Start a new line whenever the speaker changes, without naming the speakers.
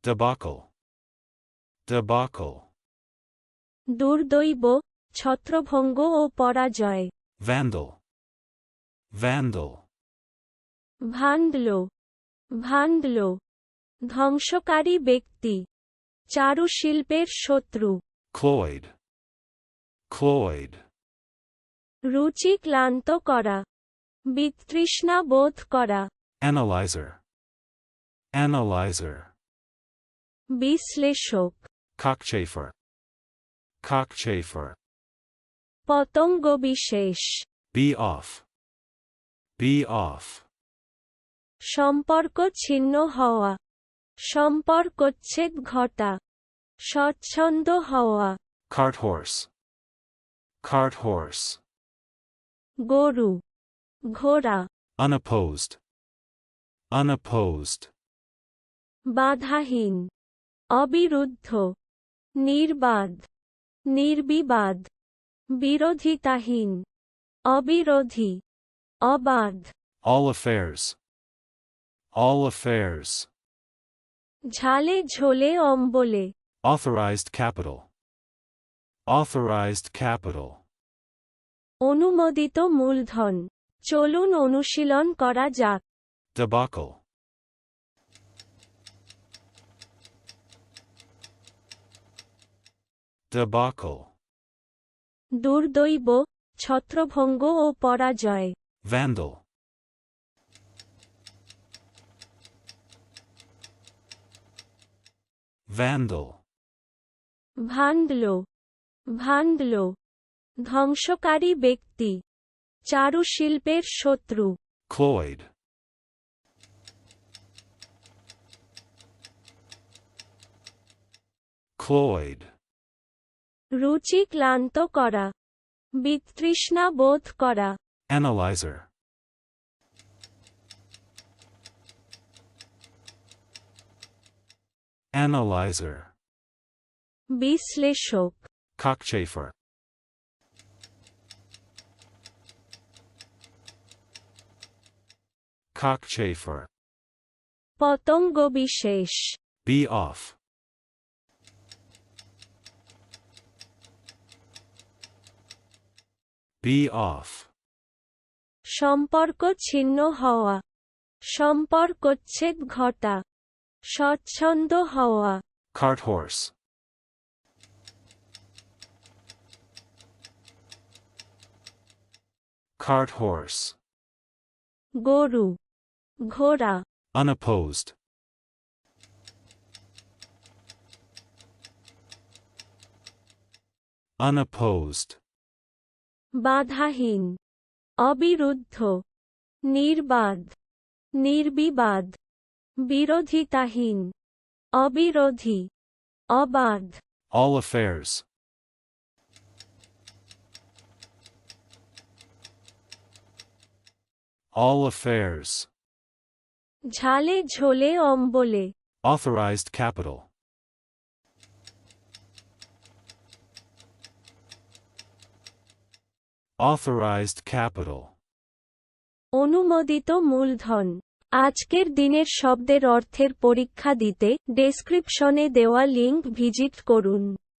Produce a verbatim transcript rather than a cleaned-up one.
Debacle. Debacle.
দুর্দৈব, ছত্রভঙ্গ ও পরাজয়।
Vandal. Vandal.
ভাণ্ডল, ভাণ্ডল, ধ্বংসকারী ব্যক্তি, চারুশিল্পের শত্রু।
Cloyd. Cloyd.
রুচি ক্লান্ত করা, বিতৃষ্ণা বোধ করা।
Analyzer. Analyzer.
বিশ্লেষক।
Cockchafer. Cockchafer.
পতঙ্গবিশেষ।
Be off. Be off.
সম্পর্ক ছিন্ন হওয়া, সম্পর্কচ্ছেদ ঘটা, স্বচ্ছন্দ হওয়া।
Cart horse. Cart horse.
গরু, ঘোড়া।
Unopposed. Unopposed.
বাধাহীন, অবিরুদ্ধ, নির্বাদ, নির্বিবাদ, বিরোধিতাহীন, অবিরোধী, অবাধ।
All affairs. All affairs.
ঝালে ঝোলে অম্বলে।
Authorized capital. Authorized capital.
অনুমোদিত মূলধন। চলুন অনুশীলন করা যাক।
Debacle. Debacle.
দুর্দৈব, ছত্রভঙ্গ ও পরাজয়।
Vandal. Vandal.
ভাণ্ডল, ভাণ্ডল, ধ্বংসকারী ব্যক্তি, চারুশিল্পের শত্রু।
Cloyd. Cloyd.
রুচি ক্লান্ত করা, বিতৃষ্ণা বোধ করা।
Analyzer. Analyzer.
বিশ্লেষক।
Cockchafer. Cockchafer.
পতঙ্গবিশেষ।
Be off. Be off.
সম্পর্ক ছিন্ন হওয়া, সম্পর্কচ্ছেদ ঘটা, স্বচ্ছন্দ হওয়া।
Cart horse. Cart horse.
গরু, ঘোড়া।
Unopposed. Unopposed.
বাধাহীন, অবিরুদ্ধ, নির্বাদ, নির্বিবাদ, বিরোধিতাহীন, অবিরোধী, অবাধ।
All affairs. All affairs.
ঝালে ঝোলে অম্বলে।
Authorized capital. Authorized capital.
অনুমোদিত মূলধন। আজকের দিনের শব্দের অর্থের পরীক্ষা দিতে ডেসক্রিপশনে দেওয়া লিংক ভিজিট করুন।